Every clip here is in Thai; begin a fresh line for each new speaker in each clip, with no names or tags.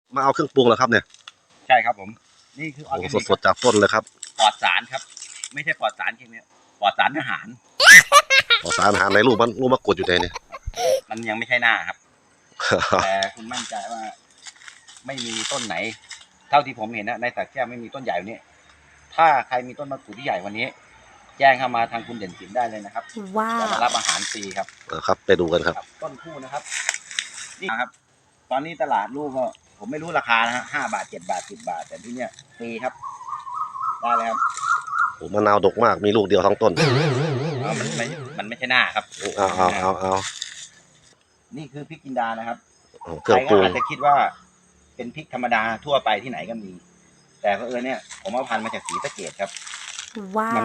มาเอาเครื่องปรุงเหรอครับเนี่ย
ใช่ครับผมนี่คือออร์แกนิก
สดๆจากต้นเลยครับ
ปลอดสารครับไม่ใช่ปลอดสารเคมีปลอดสารอาหาร
สารอาหารในรูปมะกรูดอยู่ในเนี่ย
มันยังไม่ใช่หน้าครับ แต่คุณมั่นใจว่าไม่มีต้นไหน เท่าที่ผมเห็นนะในสักแก้วไม่มีต้นใหญ่วันนี้ถ้าใครมีต้นมะกรูดที่ใหญ่วันนี้ แจ้งเข้ามาทางคุณเด่นศิลป์ได้เลยนะครับ
ว้า
จะ
ว
มารับอาหารฟรีครับ
ครับไปดูกันครับ
ต้นคู่นะครับนี่ครับ ตอนนี้ตลาดลูกก็ผมไม่รู้ราคานะฮะ5 บาท 7 บาท 10 บาท แต่ที่เนี้ยฟรีครับได้เลยครับ
โอ้มะนาวดกมากมีลูกเดียวทั้งต้น
มันไม่ใช่หน้าครับ
เอา
นี่คือพริกจินดานะครับ
เครื่
ใค
อ
รง
ปรุ
ก็
ง
อาจจะคิดว่าเป็นพริกธรรมดาทั่วไปที่ไหนก็มี แต่เพอเนี่ย ผมเอาพันธุ์มาจากศรีสะเกษครับ
ว้า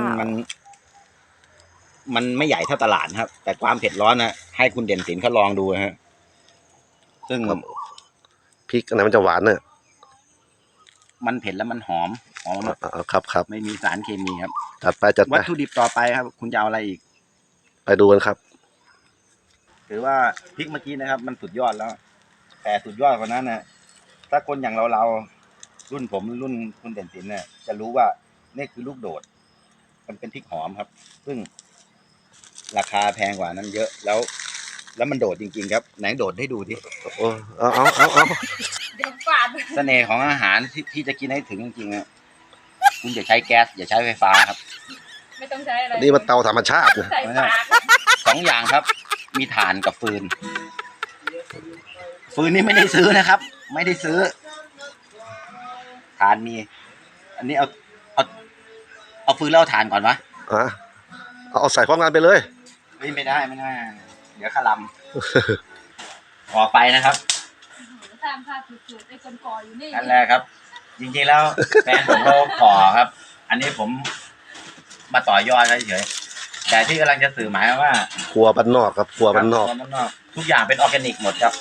มันไม่ใหญ่เท่าตลาดนะครับ แต่ความเผ็ดร้อนนะให้คุณเด่นศิลป์เขาลองดูนะฮะซึ่ง
พริกอันไหนมันจะหวานเนี่ย
มันเผ็ดแล้วมันหอมมาก
ครับ
ไม่มีสารเคมีครับ
จัดไป
วัตถุดิบต่อไปครับ คุณจะเอาอะไรอีก
ไปดูกันครับ
ถือว่าพริกเมื่อกี้นะครับ มันสุดยอดแล้ว แต่สุดยอดกว่านั้นนะถ้าคนอย่างเรารุ่นผมรุ่นคุณเด่นศิลป์เนี่ยจะรู้ว่านี่คือลูกโดด มันเป็นพริกหอมครับ ซึ่งราคาแพงกว่านั้นเยอะแล้วมันโดดจริงๆครับไหนโดดให้ดูดิ
โอ้เอา
เด็กกว่า
เสน่ห์ของอาหารที่จะกินให้ถึงจริงๆนะคุณอย่าใช้แก๊สอย่าใช้ไฟฟ้าครับ
ไม่ต้องใช้อะไร
นี่มันเตาธรรมชาตินะ
ใส่ปาก
2 อย่างครับ มีถ่านกับฟืนนี่ไม่ได้ซื้อนะครับ ไม่ได้ซื้อถ่านมี อันนี้เอาฟืนแล้วเอาถ่านก่อนวะ
เอาใส่พร้อมกันไปเลย
ไม่ได้เดี๋ยวขลำออกไปนะครับ
ตามภาพสุดๆไอ้คนก่ออยู่นี่
นั่นแหละครับ จริงๆแล้วแฟนผมเขาขอครับ อันนี้ผมมาต่อยอดเฉยๆแต่ที่กำลังจะสื่อหมายว่า
ครัวบ้านนอกครับครัวบ้านนอก
ทุกอย่างเป็นออร์แกนิกหมดครับ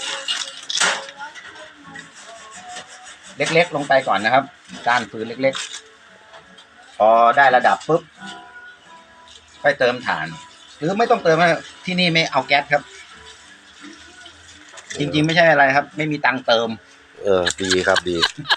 เล็กๆลงไปก่อนนะครับก้านฟืนเล็กๆพอได้ระดับปุ๊บค่อยเติมถ่าน หรือไม่ต้องเติมนะที่นี่ไม่เอาแก๊สครับ จริงๆไม่ใช่อะไรครับ ไม่มีตังค์เติม
ดีครับดี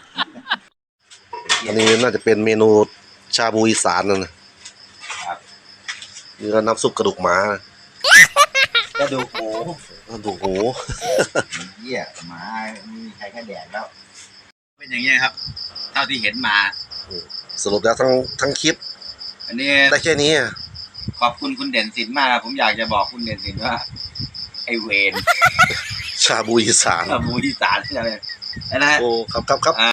อันนี้น่าจะเป็นเมนูชาบูอีสานนะครับ นี่ก็น้ำซุปกระดูกหมา
ก็ดูโอ้
กระดูกหมู
เหี้ยหมามีใครแค่แดกแล้ว เป็นอย่างเงี้ยครับ เท่าที่เห็นมา
สรุปแล้วทั้งคลิป
อันนี้
ได้แค่นี้อะ
ขอบคุณคุณเด่นศิลป์มากผมอยากจะบอกคุณเด่นศิลป์ว่า ไอเวน
ชาบูอีสาน
มูที่สารอะไรนะ
โอ้ครับ